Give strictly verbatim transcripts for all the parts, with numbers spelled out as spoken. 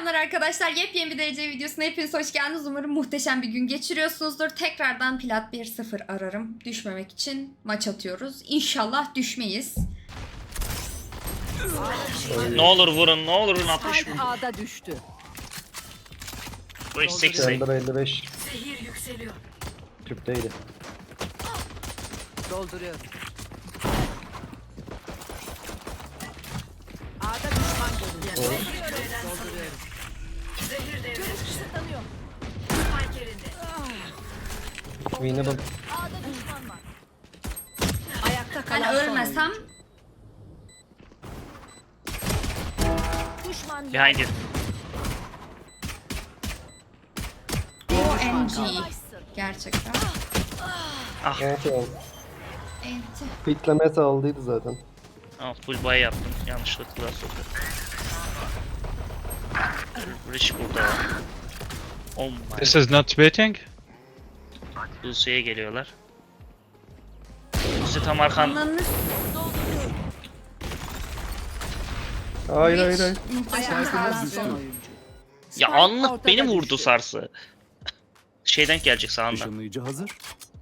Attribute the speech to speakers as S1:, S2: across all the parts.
S1: Selamlar arkadaşlar. Yepyeni bir derece videosuna hepiniz hoş geldiniz. Umarım muhteşem bir gün geçiriyorsunuzdur. Tekrardan plat bir sıfır ararım. Düşmemek için maç atıyoruz. İnşallah düşmeyiz.
S2: Ne olur vurun, ne olur vurun altmış vurun.
S3: A'da düştü.
S2: Bu iş seksi.
S4: Render elli beş.
S3: Zehir yükseliyor.
S4: Tüpteydi.
S3: Dolduruyorum. A'da düşman görüldü. Dolduruyorum. Dolduruyorum. Zehir devre. Görüş kısıtlanıyor. Spike yerinde.
S4: Winnable.
S3: A'da düşman var. Ayakta kalan
S1: Ben
S3: son
S1: ölmesem
S3: oyuncu. Düşman
S2: Behind you.
S1: O M G. Gerçekten.
S2: Ah,
S4: Evet yani.
S1: Enti.
S4: Fitlemesi aldıydı zaten.
S2: ah full buy yaptım. Yanlışlıkla sokak. Rich burada. Oh my.
S5: This is not waiting.
S2: Lucy'ye geliyorlar. Lucy tam arkan.
S1: Ananı
S4: Hayır hayır hayır.
S1: muhteşem
S3: Ayakta kalan son
S1: sarsın.
S3: oyuncu.
S2: Ya
S3: Spike
S2: anlık
S3: ortada
S2: beni vurdu
S3: düştü.
S2: sarsı. Şeyden gelecek sağından.
S6: Işınlayıcı hazır.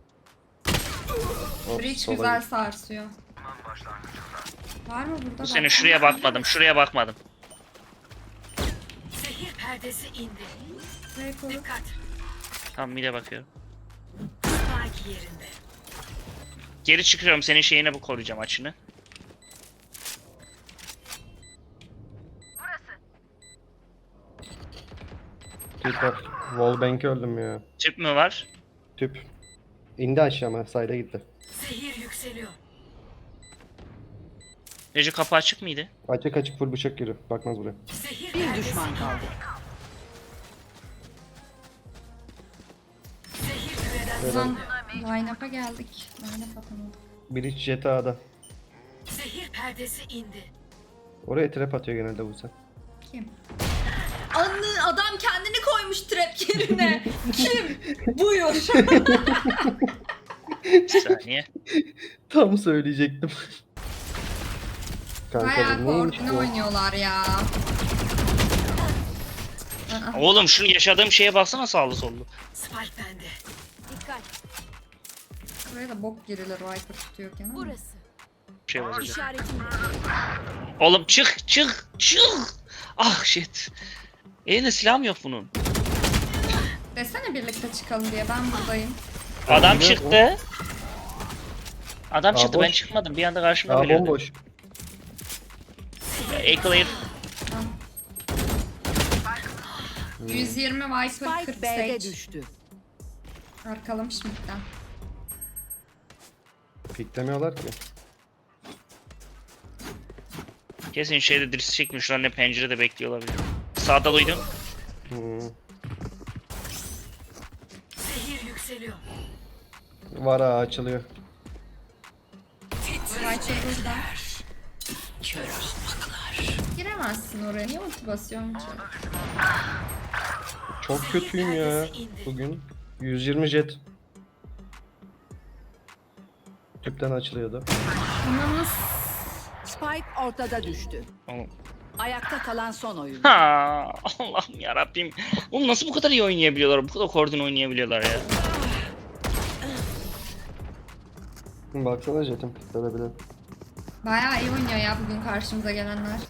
S1: Bridge
S4: Sola
S1: güzel
S4: git.
S1: sarsıyor. Var mı burada?
S2: Bu sene
S1: Bak.
S2: şuraya bakmadım, şuraya bakmadım.
S3: Zehir perdesi indi.
S1: Buraya koy.
S3: Dikkat.
S2: Tam mide bakıyorum.
S3: Spike yerinde.
S2: Geri çıkıyorum, senin şeyine bu koruyacağım açını.
S4: Tüp var. Wallbank'i öldüm ya.
S2: Tüp mü var?
S4: Tüp. İndi aşağıma. Sayda gitti.
S3: Zehir yükseliyor.
S2: Recep kapı açık mıydı?
S4: Açık açık full bıçak giriyor. Bakmaz buraya.
S3: Zehir bir düşman kaldı. Zehir küreden
S1: Lan line-up'a geldik. Line-up atamadık.
S4: Bridge Jet A'da.
S3: Zehir perdesi indi.
S4: Oraya trap atıyor genelde bu sen.
S1: Kim? Anı adam kendini koymuş trap yerine. Kim? Buyur.
S2: Bir saniye.
S4: Tam söyleyecektim. Kanka
S1: Bayağı
S4: bu neymiş
S1: koordine
S4: bu?
S1: oynuyorlar ya. Aa,
S2: Oğlum şu yaşadığım şeye baksana sağlı sollu.
S3: Spike bende. Dikkat.
S1: buraya da bok girilir Viper tutuyorken ama.
S3: Burası.
S2: Bir şey olacak.
S3: İşaretim.
S2: Oğlum çık çık çık. Ah shit. Elinde silahım yok bunun.
S1: Desene birlikte çıkalım diye ben buradayım.
S2: Adam
S4: ne
S2: çıktı. Adam
S4: Aa,
S2: çıktı, ben
S4: boş.
S2: çıkmadım. Bir anda karşıma
S4: Aa
S2: geliyordu.
S4: bomboş.
S2: A-Clear.
S1: yüz yirmi Viper
S3: Spike
S1: kırk
S3: B'de
S1: Sage.
S3: düştü.
S1: Arkalamış midden.
S4: Piklemiyorlar ki.
S2: Kesin şeyde dirisi çekmiş lan, ne pencerede bekliyor olabilir. Sağda duydum.
S4: Hmm.
S3: Zehir yükseliyor.
S4: Var ha açılıyor.
S1: Viper burada. Giremezsin oraya. Niye ulti basıyorsun ki?
S4: Çok kötüyüm ya bugün. yüz yirmi jet. Tüpten açılıyordu.
S1: Ananız.
S3: Spike ortada düştü.
S2: Oğlum.
S3: Ayakta kalan son oyuncu.
S2: Ha, Allah'ım yarabbim. Oğlum nasıl bu kadar iyi oynayabiliyorlar? Bu kadar koordine oynayabiliyorlar ya.
S4: Baksana jetim piklere bile.
S1: Bayağı iyi oynuyor ya bugün karşımıza gelenler.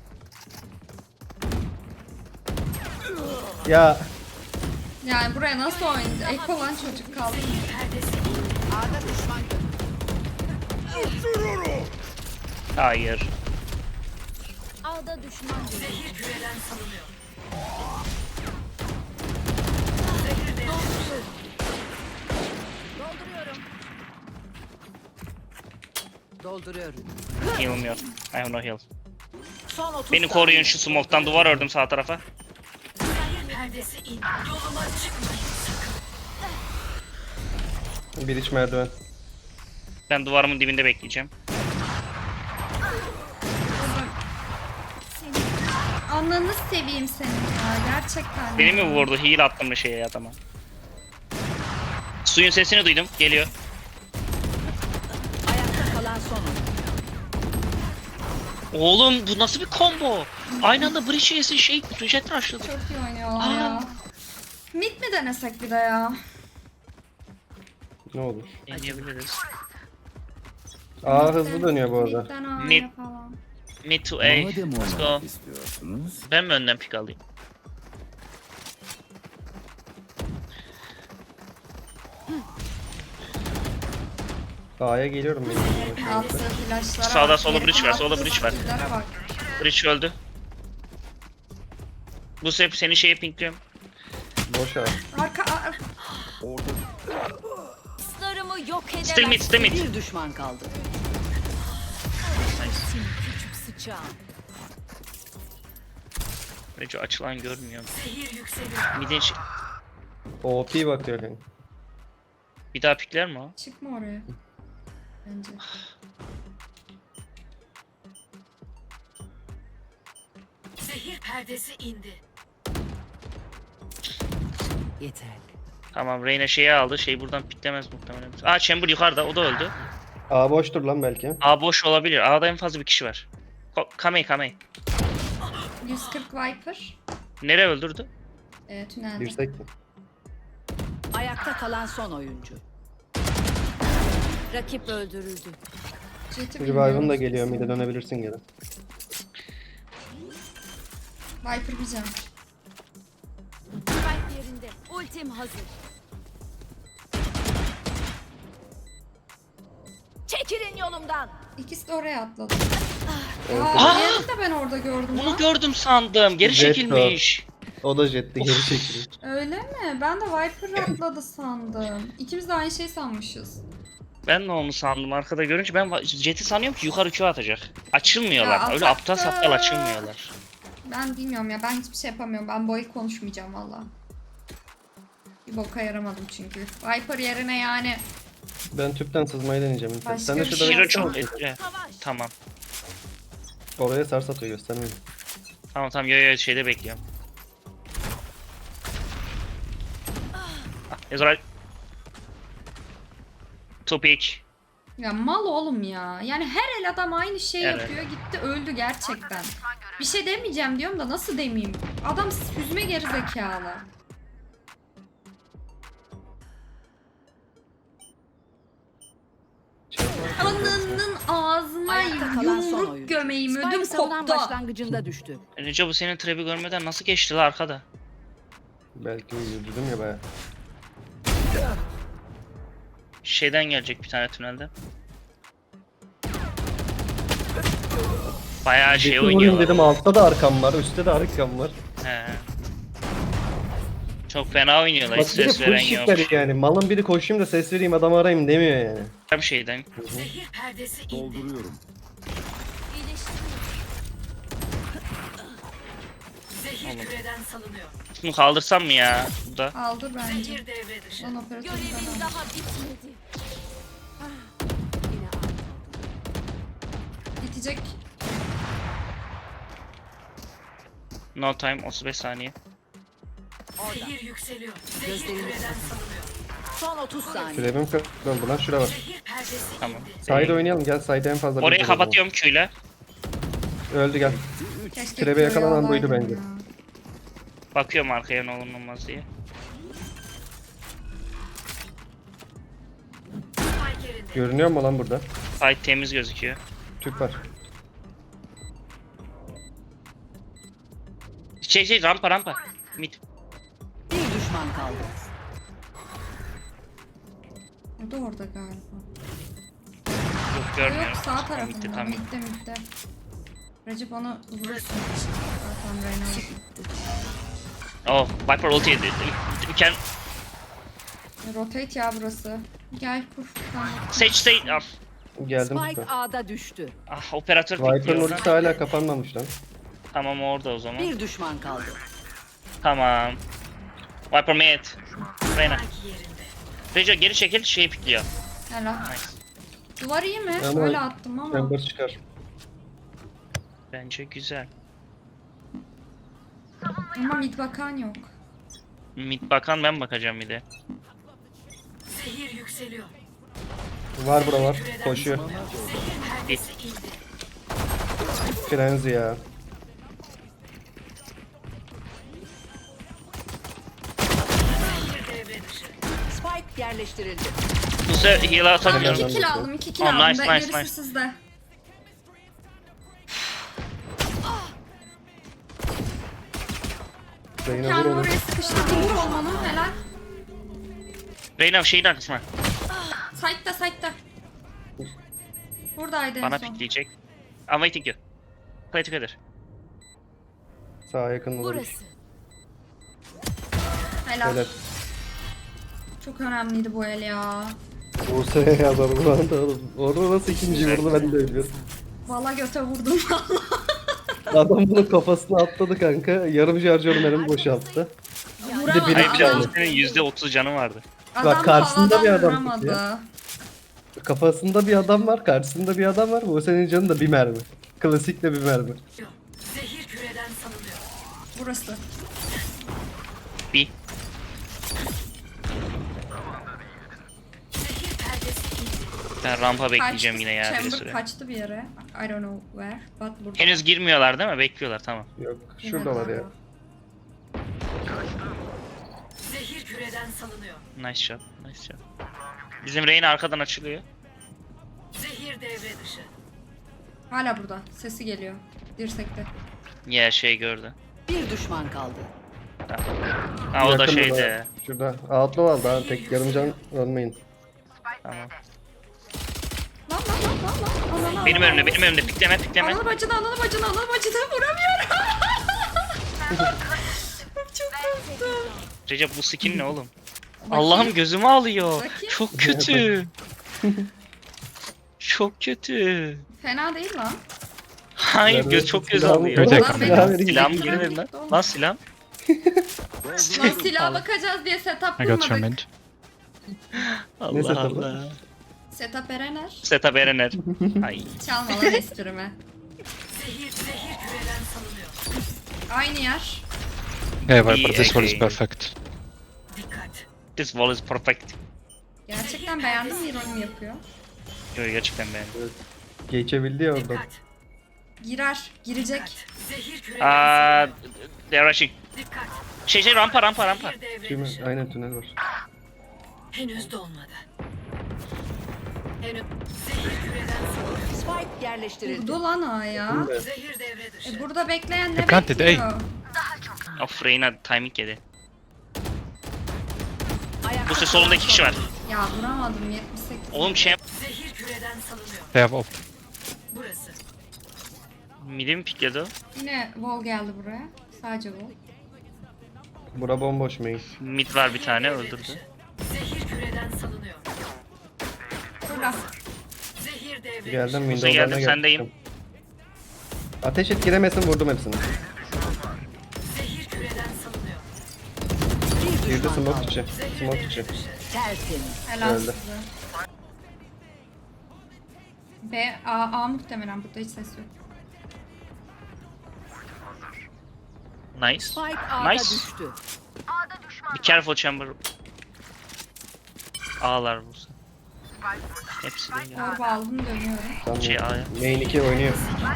S4: Ya
S1: Yani buraya nasıl oynayacak? Ek olan çocuk kaldı.
S3: Perdesi indi. A'da düşman görüldü.
S2: Hayır.
S3: A'da düşman görüldü. Zehir küreden salınıyor. Zehir de dolduruyorum. Dolduruyorum.
S2: Heal'ım yok. I have no heal.
S3: Son otuz
S2: Beni koruyun, şu smoke'tan duvar ördüm sağ tarafa.
S3: Zehir perdesi indi. Yoluma çıkmayın.
S4: bir iç merdiven.
S2: Ben duvarımın dibinde bekleyeceğim.
S1: Ananı seveyim senin ya gerçekten.
S2: Beni
S1: ya.
S2: mi vurdu? Heal attım bir şeye adama. Suyun sesini duydum. Geliyor.
S3: Ayakta kalan son oyuncu.
S2: Oğlum bu nasıl bir combo? Aynı anda Breach yesin şey jet rushladı.
S1: Çok iyi oynuyorlar ya. Mid mi denesek bir de ya?
S4: Ne olur.
S2: Deneyebiliriz.
S4: Aa hızlı dönüyor bu arada.
S1: Mid'den A'ya
S2: Mid.
S1: falan.
S2: Mid to A.
S5: Madem
S2: Let's go.
S5: oynamak istiyorsunuz,
S2: Ben mi önden pick alayım?
S4: A'ya geliyorum ben.
S1: Altı flashlara
S2: Sağda
S1: bak.
S2: solda
S1: Herif
S2: bridge var, solda
S1: attığı
S2: bridge var.
S1: skill'lere bak.
S2: Breach öldü. Bu sefer seni şeye pinkliyorum.
S4: Boş A.
S1: Arka ar-
S3: Dostlarımı yok edemez.
S2: Still mid, still mid.
S3: Bir düşman kaldı. Senin küçük sıçağın.
S2: Breach açılan görmüyorum.
S3: Zehir yükseliyor.
S2: Midin şey...
S4: O P bakıyor kanka.
S2: Bir daha pikler mi o?
S1: çıkma oraya. Bence.
S3: Zehir perdesi indi. Yeter.
S2: Tamam Reyna şeyi aldı. Şey buradan piklemez muhtemelen. Aa Chamber yukarıda o da öldü.
S4: A boştur lan belki.
S2: A boş olabilir. A'da en fazla bir kişi var. Ko- Kamey Kamey.
S1: yüz kırk Viper.
S2: Nereye öldürdü?
S1: E, tünelde.
S4: Yüksek mi?
S3: Ayakta kalan son oyuncu. Rakip öldürüldü.
S1: Jet'i
S4: Revive'ın da
S1: bilmiyoruz
S4: geliyor.
S1: biz.
S4: Mid'e dönebilirsin geri.
S1: Viper bir can.
S3: Spike yerinde. Ultim hazır. Çekilin yolumdan.
S1: İkisi de oraya atladı.
S4: Evet.
S1: Aa, diğerini de ben orada gördüm
S2: Bunu
S1: lan.
S2: gördüm sandım. Geri
S4: Jet
S2: çekilmiş.
S4: O da jetti geri çekiliyor.
S1: Öyle mi? Ben de Viper atladı sandım. İkimiz de aynı şey sanmışız.
S2: Ben de onu sandım arkada görünce ben va- Jet'i sanıyorum ki yukarı Q atacak. Açılmıyorlar.
S1: Ya
S2: Öyle
S1: ataktı.
S2: aptal saptal açılmıyorlar.
S1: Ben bilmiyorum ya, ben hiçbir şey yapamıyorum. Ben bu el konuşmayacağım valla. Bir boka yaramadım çünkü. Viper yerine yani
S4: Ben tüpten sızmayı deneyeceğim.
S1: Başka
S4: Sen de
S1: bir
S4: şurada
S1: şey
S2: Hero
S1: yapsana.
S2: çok etkili.
S3: Savaş.
S2: Tamam.
S4: oraya sars atıyor göstermeyin.
S2: Tamam tamam yo yo şeyde bekliyorum. Ah, Ezra. Two pick.
S1: ya mal oğlum ya. Yani her el adam aynı şey
S2: Evet.
S1: yapıyor. Gitti öldü gerçekten. Bir şey demeyeceğim diyorum da nasıl demeyeyim? Adam süzme geri zekalı. Ananın ağzına
S3: Ayakta kalan son
S1: yumruk
S3: oyuncu.
S1: gömeyim, ödüm
S3: Spike savunan
S1: koptu.
S3: başlangıcında düştü.
S2: Önce bu senin trap'i görmeden nasıl geçti la arkada?
S4: Belki yürüdüm ya baya.
S2: Şeyden gelecek bir tane tünelde. Bayağı şey
S4: Şey vurayım
S2: oynuyorlar.
S4: dedim, altta da arkam var, üstte de arkam var.
S2: He. Çok fena oynuyorlar. Hiç
S4: Bak bir de
S2: ses
S4: full
S2: veren yok.
S4: shiftleri yani. Malın biri koşayım da ses vereyim adamı arayayım demiyor yani.
S2: Hem şeyden.
S3: Zehir perdesi indi.
S5: dolduruyorum.
S3: Zehir küreden salınıyor.
S2: Bunu kaldırsam mı ya? Bu da.
S1: Aldı bence.
S3: Zehir devre dışı.
S1: Lan operatörü
S3: Görevim
S1: ben
S3: daha bitmedi. Yine
S1: bitecek.
S2: No time otuz beş saniye.
S3: Zehir yükseliyor. Zehir küreden salınıyor. Son otuz saniye.
S4: Trap'im kırıldı lan, şura var.
S3: Zehir perdesi
S2: Tamam.
S3: indi.
S4: Side oynayalım, gel side en fazla.
S2: Orayı
S4: biz
S2: kapatıyorum Q'yle.
S4: Öldü gel.
S1: Keşke
S4: Trebe yakalanan
S1: Q'yu
S4: buydu
S1: alaydım
S4: bence.
S1: ya.
S2: Bakıyorum arkaya ne olur ne olmaz diye.
S3: Spike yerinde.
S4: Görünüyor mu lan burada?
S2: Site temiz gözüküyor.
S4: Tüp var.
S2: Şey şey rampa rampa. Mid.
S3: Bir düşman kaldı.
S1: O da orada galiba.
S2: Yok
S1: O
S2: görmüyorum.
S1: yok sağ
S2: Tamam,
S1: tarafında.
S2: bitti, tamam.
S1: Midde midde. Recep onu vurursun. Zaten Reyna.
S2: Oh Viper ulti yedi. We can
S1: Rotate ya burası. Gel kur. Tamam.
S2: Sage Sage. Ah,
S4: Geldim
S3: Spike
S4: tüpe.
S3: A'da düştü.
S2: ah operatör
S4: Viper'ın
S2: bekliyor.
S4: ultisi hala kapanmamış lan.
S2: Tamam orada o zaman.
S3: Bir düşman kaldı.
S2: Tamam. Viper mid. Reyna.
S3: Spike yerinde.
S2: Rejo geri çekil şeyi pikliyor.
S1: Helal.
S2: Nice.
S1: Duvar iyi mi?
S4: Ama-
S1: Öyle attım ama.
S4: Chamber çıkar.
S2: Bence güzel.
S1: Ama mid bakan yok.
S2: Mid bakan ben bakacağım bir de.
S3: Zehir yükseliyor.
S4: Var bura var. Koşuyor.
S3: Zehir perdesi indi.
S4: Frenzy ya.
S3: Spike yerleştirildi.
S2: Bu sefer heal
S1: Tamam
S2: atabiliyorum.
S1: iki kill aldım iki kill
S2: Oh,
S1: aldım.
S2: nice,
S1: Ben-
S2: nice,
S1: gerisi
S2: nice.
S1: sizde.
S4: Reyna vur
S1: Kendimi
S4: onu.
S1: oraya sıkıştırdım. Vur olmanın helal.
S2: Reyna şeyin arkasına.
S1: Side'da side'da. Buradaydı en
S2: Bana
S1: son.
S2: pikleyecek. I'm waiting you. Play together.
S4: Sağa yakın olabilir.
S3: Burası.
S1: Helal.
S4: Helal.
S1: Çok önemliydi bu el ya.
S4: Buse'ye yazar bu anda oğlum. Orada nasıl ikinci vurdu ben de bilmiyorum.
S1: Valla göte vurdum valla.
S4: Adam bunun kafasına atladı kanka. Yarım şarjör mermi boşalttı.
S1: Vuramadı.
S4: biri-
S2: Hayır bir de
S1: adam,
S2: senin yüzde otuz canı vardı.
S1: adam
S4: karşısında
S1: havadan
S4: bir adam
S1: vuramadı.
S4: ya. Kafasında bir adam var, karşısında bir adam var. Buse'nin canı da bir mermi. Klasik de bir mermi.
S3: Zehir küreden salınıyor.
S1: Burası.
S2: Bir.
S3: Zehir perdesi indi.
S2: Ben rampa bekleyeceğim
S1: Kaçtı.
S2: yine ya bir
S1: Chamber
S2: süre.
S1: kaçtı bir yere. I don't know where. But burada.
S2: Henüz girmiyorlar değil mi? Bekliyorlar tamam.
S4: Yok, şurada var ya.
S3: Zehir küreden salınıyor.
S2: Nice shot. Nice shot. Bizim Reyna arkadan açılıyor.
S3: Zehir devre dışı.
S1: Hala burada. Sesi geliyor. Dirsekte.
S2: Ya şey gördü.
S3: Bir düşman kaldı.
S2: Ha o da
S4: Yakın
S2: şeyde.
S4: Şurada. Outlaw aldı ha. Tek yarım can ölmeyin.
S2: Tamam.
S1: Lan lan lan lan lan. Ananı
S2: Benim
S1: ananı.
S2: önümde, benim önümde. Pikleme, pikleme.
S1: Ananı bacını ananı bacını ananı bacını vuramıyorum. Çok korktum.
S2: Recep bu skin ne oğlum? Allah'ım gözümü alıyor.
S1: Bakayım.
S2: Çok kötü. Çok kötü.
S1: Fena değil lan.
S2: Hayır
S4: Nerede?
S2: göz çok göz
S4: Silahımı-
S2: alıyor.
S5: Görecek
S1: Lan
S5: kamera.
S1: benim
S4: Silah vereyim.
S2: Silahım
S1: silahım
S2: geri verin lan.
S1: gitti oğlum.
S2: Lan silah.
S1: Lan silaha bakacağız diye setup
S5: I got your
S1: kurmadık.
S5: mid.
S2: Allah
S4: setup'ı?
S2: Allah.
S1: Setup Erener.
S2: Setup Erener. Ay.
S1: Çalma lan esprimi.
S3: Zehir zehir küreden salınıyor.
S1: Aynı yer.
S5: Yeah,
S2: İyi,
S5: Viper, this one is
S2: okay.
S5: perfect.
S3: Dikkat.
S2: This wall is perfect.
S1: Gerçekten beğendim mi ironim yapıyor.
S2: Yo, gerçekten beğendim.
S4: Geçebildi ya oradan.
S3: Dikkat.
S1: Girer. Girecek.
S3: Zehir küreden
S2: Aa,
S3: salınıyor.
S2: they're rushing.
S3: Dikkat.
S2: Şey şey rampa rampa rampa.
S3: Zehir devre
S4: Şimdi
S3: dışı.
S4: aynen tünel var.
S3: Henüz dolmadı. Henüz zehir küreden salınıyor. Spike yerleştirildi.
S1: Vurdu lan A'ya.
S4: Şimdi
S3: Zehir devre dışı.
S1: E burada bekleyen ne
S5: They planted,
S1: bekliyor?
S2: Of Reyna timing yedi.
S3: Ayakta
S2: Bu ses solunda iki kişi var.
S1: Ya vuramadım yetmiş sekiz.
S2: Oğlum şey
S3: Zehir küreden salınıyor.
S5: They have op.
S3: Burası.
S2: midi mi pikledi o?
S1: Yine Vol geldi buraya. Sadece Vol.
S4: bura bomboş main.
S2: Mid var bir tane
S3: Devre
S2: öldürdü.
S3: dışı. Zehir küreden salınıyor.
S1: Fırla.
S3: Zehir devre
S4: Geldim
S2: Buse
S4: window'dan
S2: geldim,
S4: da
S2: sendeyim.
S4: geldim. Ateş et giremesin vurdum hepsini.
S3: Zehir küreden salınıyor. Bir
S4: Girdi
S3: düşman
S4: smoke
S3: kaldı.
S4: içi.
S3: Zehir
S4: Smoke
S3: devre
S4: içi.
S3: dışı.
S6: Tertemiz.
S1: Helal
S4: Öldü.
S1: size. B, A, A muhtemelen burada hiç ses yok.
S2: Nice.
S3: Spike A'da
S2: Nice.
S3: düştü.
S2: Be careful chamber. Ağlar bu. Hepsi de ya.
S1: Orba aldım dönüyorum.
S4: Tamam.
S2: Şey, A'ya.
S4: Main iki oynuyor.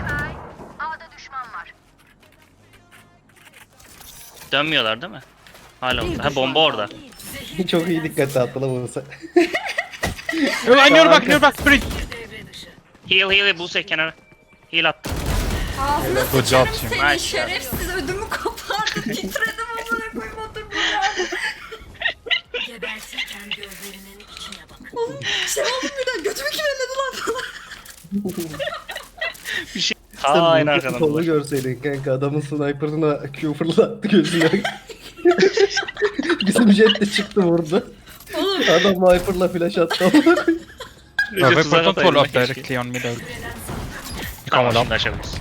S2: Dönmüyorlar değil mi? Hala
S3: Bir
S2: orada. Ha
S3: düşman
S2: bomba orada.
S3: kaldı.
S4: Çok iyi dikkat dağıttı lan Buse.
S5: Oh, on your back, your back, sprint!
S3: Devre dışı.
S2: Heal heal Buse kenara. Heal at.
S1: Ağzına
S5: Good job,
S1: sıçarım
S5: team.
S1: seni
S2: Nice.
S1: şerefsiz ödümü kopardı titredim amına koyayım otur buraya.
S3: Gebertirken gözlerinin içine bakın.
S1: Oğlum şey oldu bir de götümü kireledi lan falan.
S2: Bir şey.
S4: Sen
S2: Aa en
S4: bu
S2: arkadan.
S4: kolu
S2: var.
S4: görseydin kanka adamın sniper'ına Q fırlattı gözüne. Bizim jet de çıktı vurdu.
S1: Oğlum
S4: Adam sniper'la flash attı.
S5: Uh,
S2: Recep
S5: Viper,
S2: tuzak
S5: don't
S2: atayım
S5: pull up
S2: keşke.
S5: directly on middle. You
S2: Tamam
S5: come
S2: şimdi
S5: up.
S2: açabiliriz.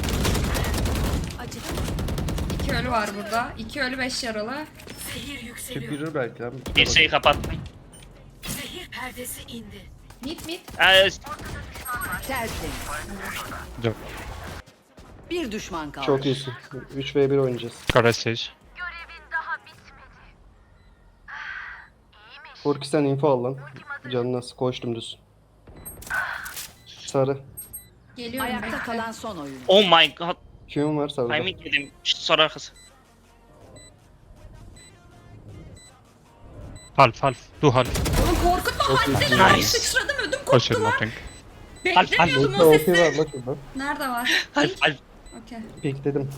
S1: iki ölü var burada. İki ölü beş yaralı.
S3: Zehir yükseliyor.
S4: Yürür belki lan.
S2: Dirseği kapattım.
S3: Zehir perdesi indi.
S1: Mit mit.
S2: Ee,
S6: Tertemiz.
S5: Job.
S6: Bir düşman kaldı.
S4: Çok iyisin. üç ve bir oynayacağız.
S5: Got stage.
S4: Furki sen info al lan. Canına koştum düz. Sarı.
S1: Geliyorum
S6: Ayakta
S1: bekle.
S6: kalan son oyun.
S2: Oh my god.
S4: Q'm var sağda.
S2: Timing yedim. Şşt, sonra arkası.
S5: Half, half. Two half.
S1: Oğlum korkutma haddi.
S2: Nice.
S1: Sıçradım ödüm
S5: Oh shit,
S1: koptu lan.
S5: nothing.
S1: Beklemiyordum
S4: Ulti
S1: o
S4: ulti
S1: sesi.
S4: var la şurada.
S1: Nerede var?
S2: Half half.
S1: Okey.
S4: Pik dedim.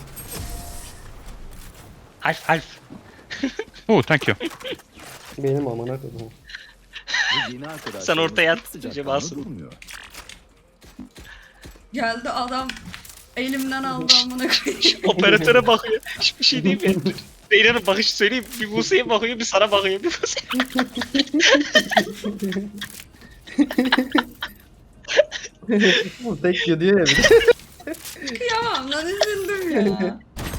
S2: Half half.
S5: Oh, thank you.
S4: Benim amına koydum.
S2: Sen ortaya at. Acaba asıl.
S1: Geldi adam. Elimden aldı amına koyayım.
S2: Operatöre bakıyor. Hiçbir şey değil mi? Zeynep'in bakışı söyleyeyim. Bir Buse'ye bakıyor, bir sana bakıyor. Bir Buse'ye.
S4: Bu tek gidiyor ya bir de.
S1: Kıyamam lan üzüldüm ya.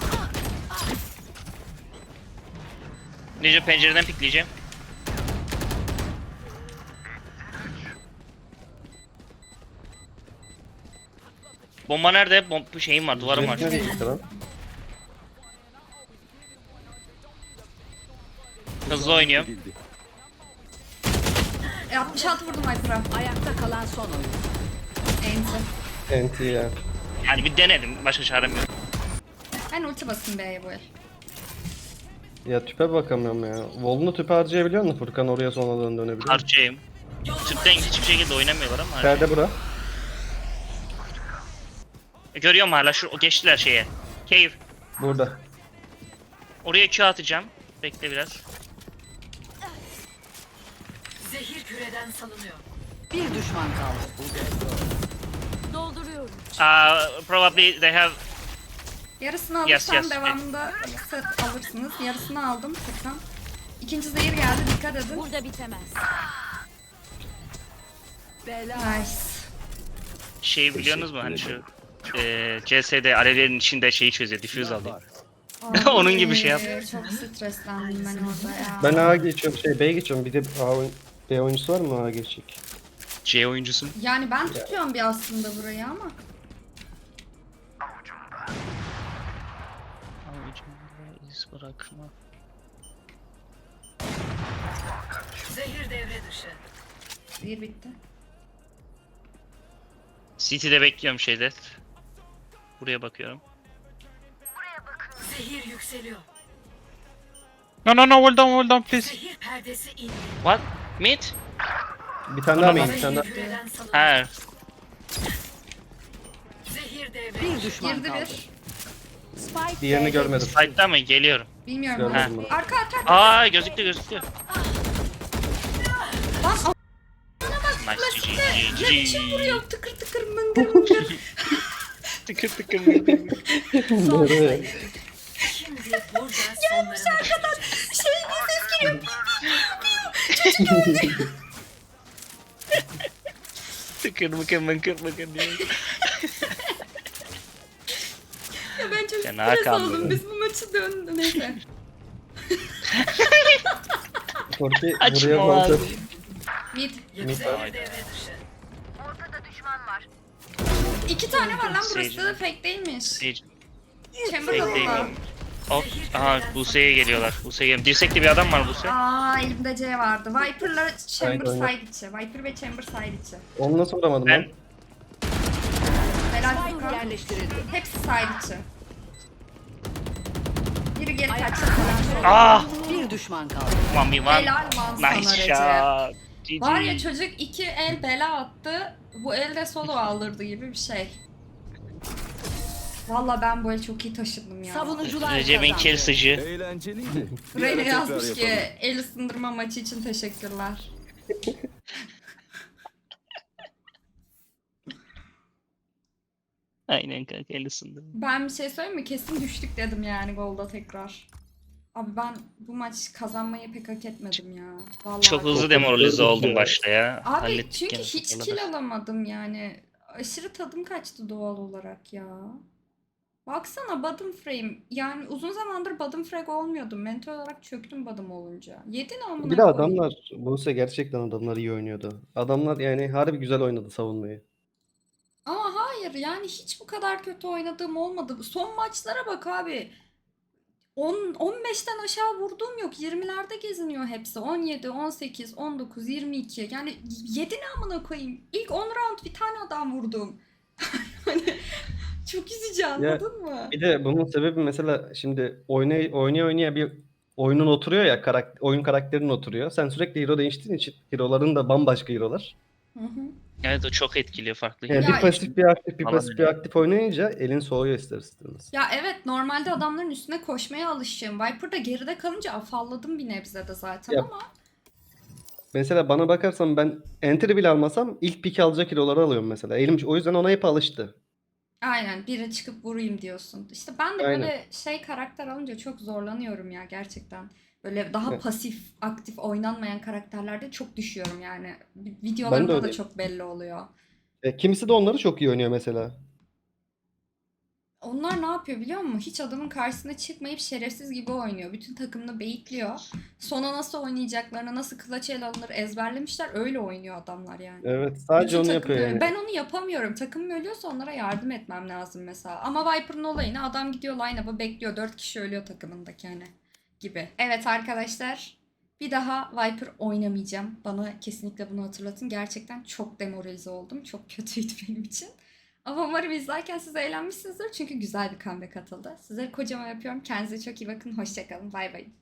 S2: Ninja pencereden pikleyeceğim. Bomba nerede? Bom bu şeyim var, duvarım var.
S4: Nereye gitti lan?
S2: Hızlı oynuyorum.
S1: E, altmış altı vurdum Viper'a.
S6: Ayakta kalan son oyun.
S1: Enti.
S4: Enti ya.
S2: Yani bir denedim. Başka çarem yok.
S1: Ben ulti basayım B'ye bu el.
S4: Ya tüpe bakamıyorum ya. Volunu tüpe harcayabiliyor musun Furkan, oraya sonradan dönebiliyor musun?
S2: Harcayayım. Tüpten hiçbir şekilde oynamıyorlar ama.
S4: Perde bura.
S2: Görüyorum hala şu o geçtiler şeye. Cave.
S4: Burada.
S2: Oraya Q atacağım. Bekle biraz.
S6: Zehir küreden salınıyor. Bir düşman kaldı.
S3: Dolduruyorum.
S2: Uh, probably they have.
S1: Yarısını
S2: Yes,
S1: alırsam
S2: yes.
S1: devamında set alırsınız. Yarısını aldım Furkan. İkinci zehir geldi, dikkat edin.
S3: Burada bitemez.
S6: Bela.
S1: Nice.
S2: Şey biliyorsunuz mu hani şu eee C S'de alevlerin içinde şeyi çözüyor, diffuse alıyor. Onun gibi şey yap.
S1: Ay, çok streslendim ben orada ya.
S4: Ben A'ya geçiyorum, şey B'ye geçiyorum. Bir de A oyun- B oyuncusu var mı A'ya geçecek?
S2: C oyuncusun.
S1: Yani ben tutuyorum bir aslında burayı ama.
S2: Avucumda iz bırakma.
S6: Zehir devre dışı.
S1: Zehir bitti.
S2: City'de bekliyorum şeyde. Buraya bakıyorum.
S6: Zehir yükseliyor.
S5: No, no, no, hold on, hold on, please.
S6: Zehir perdesi indi.
S2: What? Mid?
S4: Bir tane daha main, bir tane daha.
S6: Küreden salınıyor.
S2: Ha.
S6: Zehir devre. Bir düşman
S1: Girdi
S6: kaldı.
S1: bir.
S6: Spike
S4: Diğerini görmedim.
S2: Side'da mı? Geliyorum.
S1: Bilmiyorum.
S4: Görmedim
S1: Arka
S4: ben.
S1: arka. arka.
S2: Aa gözüktü gözüktü.
S1: Lan a-
S2: Nice G G
S1: ne
S2: G
S1: biçim
S2: G.
S1: vuruyor tıkır tıkır mıngır mıngır.
S2: Tıkır tıkır.
S4: Nereye?
S6: Şimdi burada sonlarına
S1: Şey bir ses geliyor.
S2: Tıkır mıkır mıkır mıkır diyor.
S1: Ya ben çok
S2: Fena
S1: stres
S2: kaldı
S1: oldum.
S2: be.
S1: Biz bu maçı döndü neyse.
S4: Korki
S2: Açma
S4: buraya
S2: lan.
S4: kontrol.
S1: Mid.
S4: Mid.
S6: devre dışı.
S1: İki tane var lan burası
S2: Sage.
S1: da fake değilmiş.
S2: Sage.
S1: Chamber
S2: Fake değil
S1: kapıda.
S2: mi? Hop. Aha Buse'ye geliyorlar. Buse'ye geliyor. Dirsekli bir adam var Buse.
S1: Aa elimde C vardı. Viper'la Chamber
S4: Aynen.
S1: side içi. Viper ve Chamber side içi.
S4: Onu nasıl vuramadım
S2: Ben
S4: lan?
S1: Helal
S6: Spike
S1: Furkan.
S6: yerleştirildi.
S1: Hepsi side içi. Biri geri kaçtı falan.
S2: Ah!
S6: Bir düşman kaldı.
S2: One v one.
S1: Helal lan sana
S2: Nice
S1: Recep.
S2: shot. G G.
S1: Var ya çocuk iki el bela attı. Bu elde solo aldırdı gibi bir şey. Valla ben bu el çok iyi taşıdım ya.
S6: Savunucular
S2: Recep'in
S6: kazandı.
S2: kill sıcı.
S7: Eğlenceliydi. Bir ara
S1: Reyna
S7: tekrar
S1: yazmış ki
S7: yapalım.
S1: el ısındırma maçı için teşekkürler.
S2: Aynen kanka el ısındı.
S1: Ben bir şey söyleyeyim mi? Kesin düştük dedim yani golda tekrar. Abi ben bu maç kazanmayı pek hak etmedim ya. Vallahi.
S2: Çok hızlı demoralize oldum başta ya.
S1: Abi
S2: Hallettik
S1: çünkü
S2: gene
S1: hiç
S2: sonunda.
S1: kill alamadım yani. Aşırı tadım kaçtı doğal olarak ya. Baksana bottom frame. Yani uzun zamandır bottom frag olmuyordum. Mental olarak çöktüm bottom olunca. Yedin amına
S4: Bir de
S1: koyayım.
S4: adamlar, Buse gerçekten adamlar iyi oynuyordu. Adamlar yani harbi güzel oynadı savunmayı.
S1: Ama hayır yani hiç bu kadar kötü oynadığım olmadı. Son maçlara bak abi. on on beşten aşağı vurduğum yok. yirmilerde geziniyor hepsi. on yedi, on sekiz, on dokuz, yirmi iki. Yani yedi ne amına koyayım. İlk on round bir tane adam vurdum. Hani çok üzücü anladın mı?
S4: Bir de bunun sebebi mesela şimdi oynay oynaya oynaya bir oyunun oturuyor ya, karak oyun karakterin oturuyor. Sen sürekli hero değiştiğin için hero'ların da bambaşka hero'lar.
S1: Hı hı.
S2: Evet o çok etkiliyor farklı.
S4: Yani
S1: Ya
S4: bir pasif bir aktif bir
S2: Falan
S4: pasif bir
S2: öyle.
S4: aktif oynayınca elin soğuyor ister istemez.
S1: Ya evet normalde adamların üstüne koşmaya alışığım. Viper'da geride kalınca afalladım bir nebze de zaten
S4: Ya,
S1: ama
S4: Mesela bana bakarsan ben entry bile almasam ilk pick alacak hero'ları alıyorum mesela. Elim o yüzden ona hep alıştı.
S1: aynen bire çıkıp vurayım diyorsun. İşte ben de
S4: Aynen.
S1: böyle şey karakter alınca çok zorlanıyorum ya gerçekten. Böyle daha
S4: Evet.
S1: pasif, aktif oynanmayan karakterlerde çok düşüyorum yani.
S4: Ben de
S1: Videolarımda da
S4: öyleyim.
S1: çok belli oluyor.
S4: E, kimisi de onları çok iyi oynuyor mesela.
S1: Onlar ne yapıyor biliyor musun? Hiç adamın karşısına çıkmayıp şerefsiz gibi oynuyor. Bütün takımını beyitliyor. Sona nasıl oynayacaklarını, nasıl clutch ele alınır ezberlemişler. Öyle oynuyor adamlar yani.
S4: Evet, sadece
S1: Bütün
S4: onu
S1: takım
S4: yapıyor
S1: böyle.
S4: yani.
S1: Ben onu yapamıyorum. Takımım ölüyorsa onlara yardım etmem lazım mesela. Ama Viper'ın olayını adam gidiyor line-up'a bekliyor. Dört kişi ölüyor takımındaki hani gibi. Evet arkadaşlar. Bir daha Viper oynamayacağım. Bana kesinlikle bunu hatırlatın. Gerçekten çok demoralize oldum. Çok kötüydü benim için. Ama umarım izlerken siz eğlenmişsinizdir. Çünkü güzel bir comeback atıldı. Sizleri kocaman yapıyorum. Kendinize çok iyi bakın. Hoşçakalın. Bay bay.